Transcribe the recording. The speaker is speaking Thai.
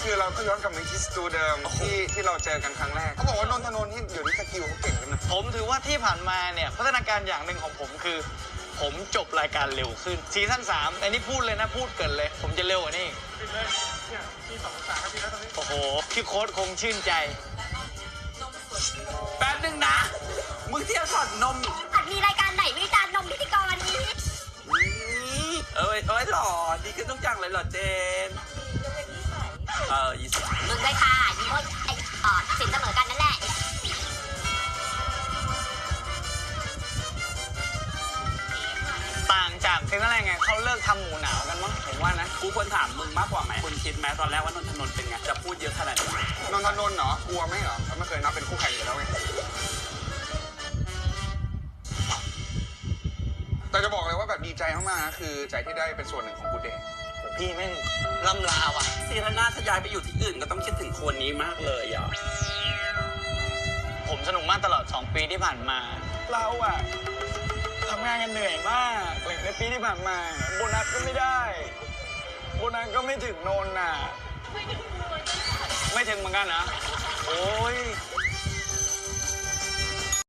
คือเราก็ย้อนกลับไปที่สตูเดิมที่เราเจอกันครั้งแรกเขาบอกว่านนทนนท์ที่เดี๋ยวนี้สกิลเขาเก่งกันนะผมถือว่าที่ผ่านมาเนี่ยพัฒนาการอย่างหนึ่งของผมคือผมจบรายการเร็วขึ้นซีซั่น3อันนี้พูดเลยนะพูดเกินเลยผมจะเร็วกว่านี้ที่2-3นาทีแล้วตอนนี้โอ้โหพี่โค้ดคงชื่นใจแป๊บนึงนะมึงเที่ยวสอดนมอาจมีรายการไหนวิจารณ์นมพิธีกรนี้เอ้ยหล่อดีขึ้นต้องจังเลยหล่อเจน20 มึงเลยค่ะนี่โอ้ยสินเสมอกันนั่นแหละต่างจากซีซั่นแรกไงเขาเลิกทำหมูหนาวกันมั้งผมว่านะกูควรถามมึงมากกว่าไหมคุณคิดไหมตอนแรกว่านนทนนท์เป็นไงจะพูดเยอะขนาดนี้นนทนนท์เหรอกลัวไหมเหรอเขาไม่เคยนับเป็นคู่แข่งอยู่แล้วไงแต่จะบอกเลยว่าแบบดีใจมากๆนะคือใจที่ได้เป็นส่วนหนึ่งของกูเดย์พี่แม่งล่ำลาว่ะซีซั่นหน้าถ้าย้ายไปอยู่ที่อื่นก็ต้องคิดถึงคนนี้มากเลยอ่ะผมสนุกมากตลอด2 ปีที่ผ่านมาเราอะทำงานกันเหนื่อยมากในปีที่ผ่านมาโบนัสก็ไม่ได้โบนัสก็ไม่ถึงโนนน่ะไม่ถึงเหมือนกันนะโอ้ย